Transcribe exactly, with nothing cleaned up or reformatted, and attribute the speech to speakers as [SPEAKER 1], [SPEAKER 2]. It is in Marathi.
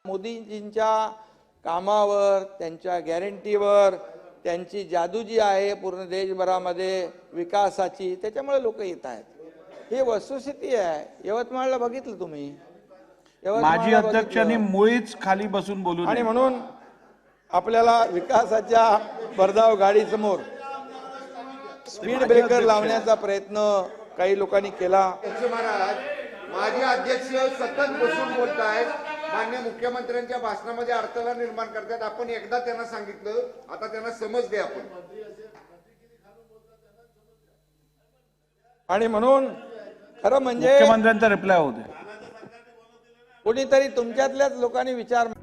[SPEAKER 1] मोदीजींच्या कामावर, त्यांच्या गॅरंटीवर, त्यांची जादू जी आहे पूर्ण देशभरामध्ये विकासाची, त्याच्यामुळे लोक येत आहेत. ही वस्तुस्थिती आहे. यवतमाळला बघितलं तुम्ही,
[SPEAKER 2] माजी अध्यक्षांनी मुळीच खाली बसून बोलू नये.
[SPEAKER 1] आणि म्हणून आपल्याला विकासाच्या भरधाव गाडीसमोर स्पीड ब्रेकर लावण्याचा प्रयत्न काही लोकांनी केला.
[SPEAKER 3] महाराज, माजी अध्यक्ष सतत बसून बोलत आहेत, माननीय मुख्यमंत्र्यांच्या भाषणामध्ये अडथळा निर्माण करतात. आपण एकदा त्यांना सांगितलं, आता त्यांना समज द्या आपण.
[SPEAKER 1] आणि म्हणून खरं म्हणजे
[SPEAKER 2] मुख्यमंत्र्यांचा रिप्लाय होते.
[SPEAKER 1] कोणीतरी तुमच्यातल्याच लोकांनी विचार